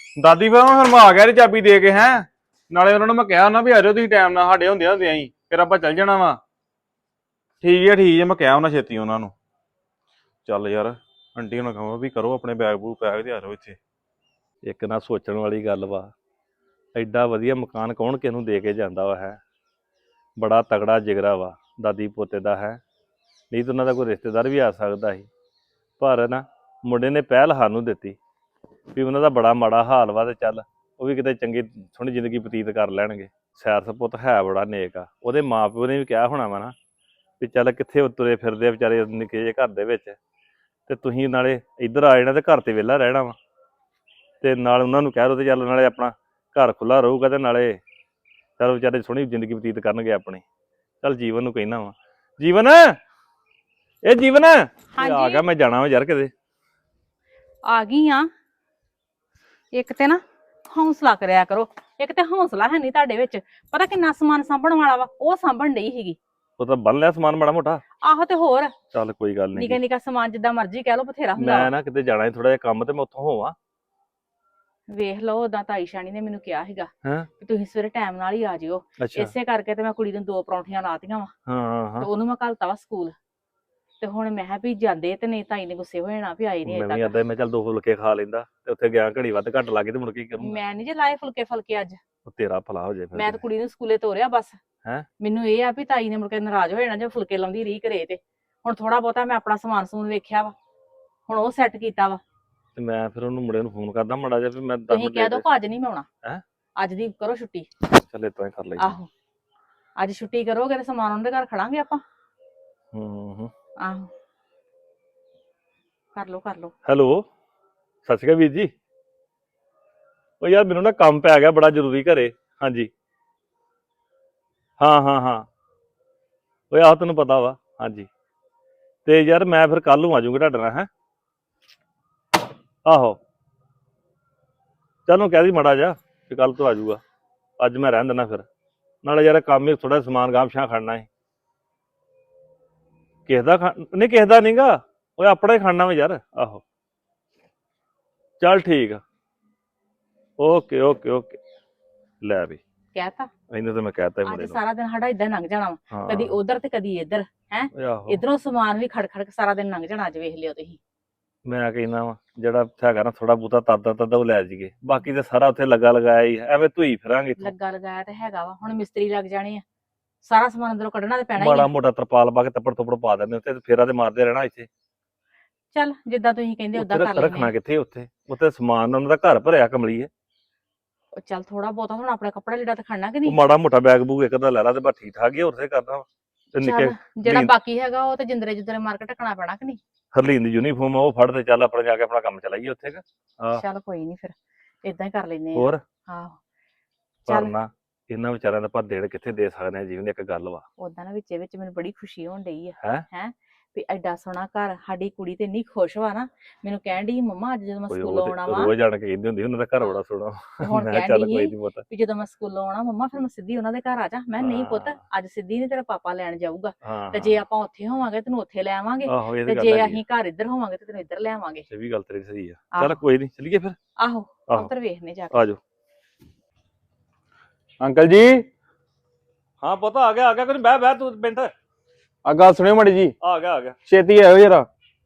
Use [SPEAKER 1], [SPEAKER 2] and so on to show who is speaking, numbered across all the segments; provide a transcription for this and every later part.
[SPEAKER 1] ਦਾਦੀ ਫਿਰ ਮੈਂ ਆ ਗਿਆ ਰੀ ਚਾਬੀ ਦੇ ਕੇ ਹੈ। ਨਾਲੇ ਉਹਨਾਂ ਨੂੰ ਮੈਂ ਕਿਹਾ ਨਾ ਵੀ ਆ ਜਾਓ ਤੁਸੀਂ ਟਾਈਮ ਨਾਲ ਸਾਡੇ ਹੁੰਦਿਆਂ ਹੁੰਦਿਆਂ ਹੀ ਫਿਰ ਆਪਾਂ ਚੱਲ ਜਾਣਾ ਵਾ। ਠੀਕ ਹੈ ਮੈਂ ਕਿਹਾ ਉਹਨਾਂ ਛੇਤੀ ਉਹਨਾਂ ਨੂੰ। ਚੱਲ ਯਾਰ ਆਂਟੀ ਨੂੰ ਕਹਾਂ ਵੀ ਕਰੋ ਆਪਣੇ ਬੈਗ ਬੂਗ ਪੈਕ ਤੇ ਆ ਜਾਓ ਇੱਥੇ।
[SPEAKER 2] ਇੱਕ ਨਾ ਸੋਚਣ ਵਾਲੀ ਗੱਲ ਵਾ, ਐਡਾ ਵਧੀਆ ਮਕਾਨ ਕੌਣ ਕਿਸ ਨੂੰ ਦੇ ਕੇ ਜਾਂਦਾ ਵਾ ਹੈ। ਬੜਾ ਤਗੜਾ ਜਿਗਰਾ ਵਾ ਦਾਦੀ ਪੋਤੇ ਦਾ ਹੈ। ਨਹੀਂ ਤਾਂ ਉਹਨਾਂ ਦਾ ਕੋਈ ਰਿਸ਼ਤੇਦਾਰ ਵੀ ਆ ਸਕਦਾ ਸੀ, ਪਰ ਨਾ ਮੁੰਡੇ ਨੇ ਪਹਿਲ ਸਾਨੂੰ ਦਿੱਤੀ ਵੀ ਉਹਨਾਂ ਦਾ ਬੜਾ ਮਾੜਾ ਹਾਲ ਵਾ ਤੇ ਚੱਲ ਉਹ ਵੀ ਕਿਤੇ ਚੰਗੀ ਸੋਹਣੀ ਜ਼ਿੰਦਗੀ ਬਤੀਤ ਕਰ ਲੈਣਗੇ। ਸੈਰ ਸਪੁੱਤ ਹੈ ਬੜਾ ਨੇਕ ਆ। ਉਹਦੇ ਮਾਂ ਪਿਓ ਨੇ ਵੀ ਕਿਹਾ ਹੋਣਾ ਵਾ ਨਾ ਵੀ ਚੱਲ ਕਿੱਥੇ ਤੁਰੇ ਫਿਰਦੇ ਆ ਵਿਚਾਰੇ ਨਿੱਕੇ ਜਿਹੇ ਘਰ ਦੇ ਵਿੱਚ, ਤੇ ਤੁਸੀਂ ਨਾਲੇ ਇੱਧਰ ਆ ਜਾਣਾ ਤੇ ਘਰ ਤੇ ਵਿਹਲਾ ਰਹਿਣਾ ਵਾ, ਤੇ ਨਾਲ ਉਹਨਾਂ ਨੂੰ ਕਹਿ ਦੋ ਤੇ ਚੱਲ ਨਾਲੇ ਆਪਣਾ ਘਰ ਖੁੱਲਾ ਰਹੂਗਾ ਤੇ ਨਾਲੇ ਚੱਲ ਵਿਚਾਰੇ ਸੋਹਣੀ ਜ਼ਿੰਦਗੀ ਬਤੀਤ ਕਰਨਗੇ ਆਪਣੀ। ਚੱਲ ਜੀਵਨ ਨੂੰ ਕਹਿਣਾ ਵਾ, ਜੀਵਨ ਇਹ ਜੀਵਨ ਆ ਗਿਆ, ਮੈਂ ਜਾਣਾ ਵਾ ਯਾਰ ਕਿਤੇ।
[SPEAKER 3] ਆ ਗਈ ਆ। ਇੱਕ ਤੇ ਨਾ ਹੌਸਲਾ ਕਰਿਆ ਕਰੋ, ਇੱਕ ਤੇ ਹੌਸਲਾ ਹੈ ਨਹੀਂ ਤੁਹਾਡੇ ਵਿੱਚ। ਪਤਾ ਕਿੰਨਾ ਸਮਾਨ ਸਾਂਭਣ ਵਾਲਾ ਵਾ, ਉਹ ਸਾਂਭਣ ਨਹੀਂ ਸੀਗੀ।
[SPEAKER 2] ਉਹ ਤਾਂ ਬੰਨ ਲਿਆ ਸਮਾਨ ਮਾੜਾ ਮੋਟਾ।
[SPEAKER 3] ਆਹੋ ਤੇ ਹੋਰ
[SPEAKER 2] ਚੱਲ ਕੋਈ ਗੱਲ
[SPEAKER 3] ਨਿੱਕਾ
[SPEAKER 2] ਨਹੀਂ,
[SPEAKER 3] ਨਿੱਕਾ ਸਮਾਨ ਜਿੱਦਾਂ ਮਰਜ਼ੀ ਕਹਿ ਲਓ ਬਥੇਰਾ ਹੁੰਦਾ।
[SPEAKER 2] ਮੈਂ ਨਾ ਕਿਤੇ ਜਾਣਾ ਥੋੜਾ ਜਿਹਾ ਕੰਮ ਤੇ ਮੈਂ ਉੱਥੋਂ ਹੋਵਾਂ।
[SPEAKER 3] ਵੇਖ ਲਓ ਉਦਾਂ ਤਾਈ ਸ਼ਾਨੀ ਨੇ ਮੈਨੂੰ ਕਿਹਾ ਸੀਗਾ
[SPEAKER 2] ਹੈਂ?
[SPEAKER 3] ਕਿ ਤੁਸੀਂ ਸਵੇਰੇ ਟਾਈਮ ਨਾਲ ਹੀ ਆ ਜਿਓ।
[SPEAKER 2] ਅੱਛਾ
[SPEAKER 3] ਇਸੇ ਕਰਕੇ ਤੇ ਮੈਂ ਕੁੜੀ ਨੂੰ 2 ਪਰੌਂਠੀਆਂ ਲਾਤੀਆਂ ਵਾ
[SPEAKER 2] ਹਾਂ
[SPEAKER 3] ਤੇ ਉਹਨੂੰ ਮੈਂ ਘੱਲਤਾ ਵਾ ਸਕੂਲ। ਤੇ ਹੁਣ ਮੈਂ ਕਿਹਾ ਵੀ ਜਾਂਦੇ ਤੇ ਨਹੀਂ ਤਾਈ ਨੇ ਗੁੱਸੇ ਹੋ ਜਾਣਾ ਵੀ ਆਏ ਨਹੀਂ
[SPEAKER 2] ਮੈਂ ਵੀ
[SPEAKER 3] ਅਜੇ
[SPEAKER 2] ਏਦਾਂ ਮੈਂ ਚੱਲ 2 ਫੁਲਕੇ ਖਾ ਲੈਂਦਾ ਤੇ ਉੱਥੇ ਗਿਆ ਘੜੀ ਵੱਧ ਘੱਟ ਲਾ ਕੇ ਤੇ ਮੁੜ ਕੇ ਕੀ
[SPEAKER 3] ਤੱਕ।
[SPEAKER 2] ਕਰੂੰਗਾ।
[SPEAKER 3] ਮੈਂ ਨਹੀਂ ਜੇ ਲਾਏ ਫੁਲਕੇ ਅੱਜ।
[SPEAKER 2] ਉਹ ਤੇਰਾ ਭਲਾ ਹੋ ਜਾਏ ਫਿਰ।
[SPEAKER 3] ਮੈਂ ਤਾਂ ਕੁੜੀ ਨੂੰ ਸਕੂਲੇ ਤੋਰਿਆ ਬਸ।
[SPEAKER 2] ਹੈਂ?
[SPEAKER 3] ਮੈਨੂੰ ਇਹ ਆ ਵੀ ਤਾਈ ਨੇ ਮੁੜ ਕੇ ਨਾਰਾਜ਼ ਹੋ ਜਾਣਾ ਜੇ ਫੁਲਕੇ ਲਾਉਂਦੀ ਰਹੀ ਘਰੇ। ਤੇ ਹੁਣ ਥੋੜਾ ਬਹੁਤਾ ਮੈਂ ਆਪਣਾ ਸਮਾਨ ਸਮੂਨ ਵੇਖਿਆ ਵਾ, ਹੁਣ ਉਹ ਸੈੱਟ ਕੀਤਾ ਵਾ।
[SPEAKER 2] ਤੇ ਮੈਂ ਫਿਰ ਉਹਨੂੰ ਮੁੰਡੇ ਨੂੰ ਫੋਨ ਕਰਦਾ ਮਾੜਾ ਜਿਹਾ ਵੀ ਮੈਂ 10
[SPEAKER 3] ਤੁਸੀਂ
[SPEAKER 2] ਮਿੰਟ
[SPEAKER 3] ਕਹਿ ਦੋ ਅੱਜ ਨਹੀਂ ਮੈਂ ਆਉਣਾ।
[SPEAKER 2] ਹੈਂ?
[SPEAKER 3] ਅੱਜ ਦੀ ਕਰੋ ਛੁੱਟੀ।
[SPEAKER 2] ਚੱਲ ਇਤੋਂ ਹੀ ਕਰ ਲਈ।
[SPEAKER 3] ਆਹੋ ਅੱਜ ਛੁੱਟੀ ਕਰੋਗੇ ਤੇ ਸਮਾਨ ਉਹਨਾਂ ਦੇ ਘਰ ਖੜਾਂਗੇ ਆਪਾਂ।
[SPEAKER 2] ਹੂੰ
[SPEAKER 3] ਆਹੋ ਕਰ ਲੋ।
[SPEAKER 2] ਹੈਲੋ ਸਤਿ ਸ਼੍ਰੀ ਅਕਾਲ ਵੀਰ ਜੀ। ਉਹ ਯਾਰ ਮੈਨੂੰ ਨਾ ਕੰਮ ਪੈ ਗਿਆ ਬੜਾ ਜ਼ਰੂਰੀ ਘਰੇ। ਹਾਂਜੀ ਹਾਂ ਉਹ ਆਹ ਤੈਨੂੰ ਪਤਾ ਵਾ। ਹਾਂਜੀ ਤੇ ਯਾਰ ਮੈਂ ਫਿਰ ਕੱਲ ਨੂੰ ਆ ਜਾਊਂਗਾ ਤੁਹਾਡੇ ਨਾਲ। ਹੈ ਆਹੋ ਚੱਲ ਕਹਿ ਦੀ ਮਾੜਾ ਜਿਹਾ ਕਿ ਕੱਲ ਤੋਂ ਆ ਜਾਊਗਾ। ਅੱਜ ਮੈਂ ਰਹਿਣ ਦਿੰਦਾ ਫਿਰ, ਨਾਲੇ ਯਾਰ ਕੰਮ ਹੀ ਥੋੜਾ ਸਮਾਨ ਗਾਮਸ਼ਾਂ ਖੜਨਾ ਹੈ। ਕਿਸੇ ਦਾ ਨਹੀਂ ਕਿਸੇ ਦਾ ਨਹੀਂਗਾ, ਉਹ ਆਪਣਾ ਹੀ ਖਾਣਾ ਵਾ ਯਾਰ। ਆਹੋ ਚੱਲ ਠੀਕ ਆ। ਓਕੇ ਲੈ ਵੀ
[SPEAKER 3] ਕਹਿਤਾ
[SPEAKER 2] ਇਹਨੂੰ ਤਾਂ ਮੈਂ ਕਹਿਤਾ
[SPEAKER 3] ਅੱਜ
[SPEAKER 2] ਮੁੰਡੇ ਨੂੰ।
[SPEAKER 3] ਸਾਰਾ ਦਿਨ ਸਾਡਾ ਇਦਾਂ ਲੰਘ ਜਾਣਾ ਵਾ, ਕਦੀ ਉਧਰ ਤੇ ਕਦੀ ਇੱਧਰ। ਹੈ
[SPEAKER 2] ਆਹੋ
[SPEAKER 3] ਇਧਰੋਂ ਸਮਾਨ ਵੀ ਖੜ ਸਾਰਾ ਦਿਨ ਲੰਘ ਜਾਣਾ। ਅੱਜ ਵੇਖ ਲਿਓ ਤੁਸੀਂ।
[SPEAKER 2] ਮੈਂ ਕਹਿੰਦਾ ਵਾ ਜਿਹੜਾ ਹੈਗਾ ਨਾ ਥੋੜਾ ਬਹੁਤਾ ਤਾਦਾ ਉਹ ਲੈ ਜਾਈਏ, ਬਾਕੀ ਤੇ ਸਾਰਾ ਉੱਥੇ ਲੱਗਾ ਲਗਾਇਆ ਹੀ ਐਵੇਂ ਧੂਈ ਫਿਰਾਂਗੇ ਇੱਥੋਂ।
[SPEAKER 3] ਲੱਗਾ ਲਗਾਇਆ ਤੇ ਹੈਗਾ ਵਾ, ਹੁਣ ਮਿਸਤਰੀ ਲੱਗ ਜਾਣੇ ਆ, ਸਾਰਾ ਸਮਾਨ ਅੰਦਰੋਂ ਕੱਢਣਾ ਤੇ ਪੈਣਾ ਹੀ
[SPEAKER 2] ਮਾੜਾ
[SPEAKER 3] ਆ।
[SPEAKER 2] ਮੋਟਾ ਤਰਪਾਲ ਪਾ ਕੇ ਤੱਪੜ ਤੁੱਪੜ ਪਾ ਦਿੰਦੇ ਉੱਤੇ, ਫੇਰਾ ਤੇ ਮਾਰਦੇ ਰਹਿਣਾ ਇੱਥੇ।
[SPEAKER 3] ਚੱਲ ਜਿੱਦਾਂ ਤੁਸੀਂ ਕਹਿੰਦੇ ਉਦਾਂ ਕਰ ਲੈਂਦੇ
[SPEAKER 2] ਰੱਖਣਾ ਕਿੱਥੇ ਉੱਥੇ ਸਮਾਨ ਉਹਨਾਂ ਦਾ ਘਰ ਭਰਿਆ ਕਮਲੀਏ।
[SPEAKER 3] ਆ। ਚੱਲ ਥੋੜਾ ਬਹੁਤਾ ਹੁਣ ਆਪਣਾ ਕੱਪੜਾ ਲੀੜਾ ਤਾਂ ਖੜਨਾ ਕਿ ਨਹੀਂ।
[SPEAKER 2] ਉਹ ਮਾੜਾ ਮੋਟਾ ਬੈਗ ਬੂਗ ਇੱਕ ਦਾ ਲੈ ਲਾ ਤੇ ਬਸ ਠੀਕ ਠਾਕ ਹੀ ਹੋਰ ਤੇ ਕਰਨਾ ਵਾ। ਤੇ ਨਿੱਕੇ
[SPEAKER 3] ਚੱਲ ਜਿਹੜਾ ਬਾਕੀ ਹੈਗਾ ਉਹ ਤੇ ਜਿੰਦਰੇ ਮਾਰ ਕੇ ਢੱਕਣਾ ਪੈਣਾ ਕਿ ਨਹੀਂ।
[SPEAKER 2] ਹਰਲੀਨ ਦੀ ਯੂਨੀਫਾਰਮ ਉਹ ਫੜ ਤੇ ਚੱਲ ਆਪਣਾ ਜਾ ਕੇ ਆਪਣਾ ਕੰਮ ਚਲਾਈਏ ਉੱਥੇ।
[SPEAKER 3] ਚੱਲ ਕੋਈ ਨਹੀਂ ਫਿਰ ਇਦਾਂ ਹੀ ਕਰ ਲੈਨੇ ਆ।
[SPEAKER 2] ਹੋਰ
[SPEAKER 3] ਆਹੋ
[SPEAKER 2] ਪਰ ਨਾ ਇਹਨਾਂ ਵਿਚਾਰਿਆਂ ਦਾ ਆਪਾਂ ਦੇਣ ਕਿੱਥੇ ਦੇ ਸਕਦੇ ਆ। ਜੀਵਨ ਦੀ ਇੱਕ ਗੱਲ ਵਾ
[SPEAKER 3] ਉਦਾਂ ਨਾ ਵਿੱਚ ਮੈਨੂੰ ਬੜੀ ਖੁਸ਼ੀ ਹੋਣ ਡਈ ਆ।
[SPEAKER 2] ਹੈ
[SPEAKER 3] ਵੀ ਐਡਾ ਸੋਹਣਾ ਘਰ, ਸਾਡੀ ਕੁੜੀ ਤੇ ਇੰਨੀ ਖੁਸ਼ ਵਾ ਨਾ। ਮੈਨੂੰ ਕਹਿਣ ਡਈ ਮੰਮਾ ਅੱਜ ਜਦੋਂ ਮੈਂ ਸਕੂਲੋਂ ਆਉਣਾ ਵਾ,
[SPEAKER 2] ਰੋਜ਼ ਜਾਣ ਕੇ ਕਹਿੰਦੀ ਹੁੰਦੀ ਉਹਨਾਂ ਦਾ ਘਰ ਬੜਾ ਸੋਹਣਾ।
[SPEAKER 3] ਹੁਣ
[SPEAKER 2] ਮੈਂ
[SPEAKER 3] ਕਹਿਣ
[SPEAKER 2] ਚੱਲ
[SPEAKER 3] ਡਈ
[SPEAKER 2] ਕੋਈ
[SPEAKER 3] ਸੀ
[SPEAKER 2] ਨਹੀਂ ਪਤਾ
[SPEAKER 3] ਵੀ ਜਦੋਂ ਮੈਂ ਸਕੂਲੋਂ ਆਉਣਾ ਮੰਮਾ ਫਿਰ ਮੈਂ ਸਿੱਧੀ ਉਹਨਾਂ ਦੇ ਘਰ ਆ ਜਾ। ਮੈਂ ਨਹੀਂ ਪੁੱਤ ਅੱਜ ਸਿੱਧੀ ਨਹੀਂ, ਤੇਰਾ ਪਾਪਾ ਲੈਣ ਜਾਊਗਾ। ਤੇ ਜੇ ਆਪਾਂ ਉੱਥੇ ਹੋਵਾਂਗੇ ਤੈਨੂੰ ਉੱਥੇ ਲੈ ਆਵਾਂਗੇ, ਤੇ ਜੇ ਅਸੀਂ ਘਰ ਇੱਧਰ ਹੋਵਾਂਗੇ ਤੇ ਤੈਨੂੰ ਇੱਧਰ ਲੈ ਆਵਾਂਗੇ।
[SPEAKER 2] ਇਹ ਵੀ ਗੱਲ ਤੇਰੀ ਸਹੀ ਆ। ਚੱਲ ਕੋਈ ਨਹੀਂ ਚੱਲੀਏ ਫਿਰ।
[SPEAKER 3] ਆਹੋ ਉੱਧਰ ਵੇਖਨੇ ਜਾ ਕੇ।
[SPEAKER 2] ਆਜੋ
[SPEAKER 1] ਅੰਕਲ ਜੀ।
[SPEAKER 2] ਹਾਂ ਪੁੱਤ ਆ ਗਿਆ ਕੋਈ ਬਹਿ ਤੂੰ ਮਿੰਟ।
[SPEAKER 1] ਆ ਗੱਲ ਸੁਣਿਓ ਮਾੜੀ ਜੀ।
[SPEAKER 2] ਆ ਗਿਆ
[SPEAKER 1] ਛੇਤੀ ਆਇਓ ਜਰਾ।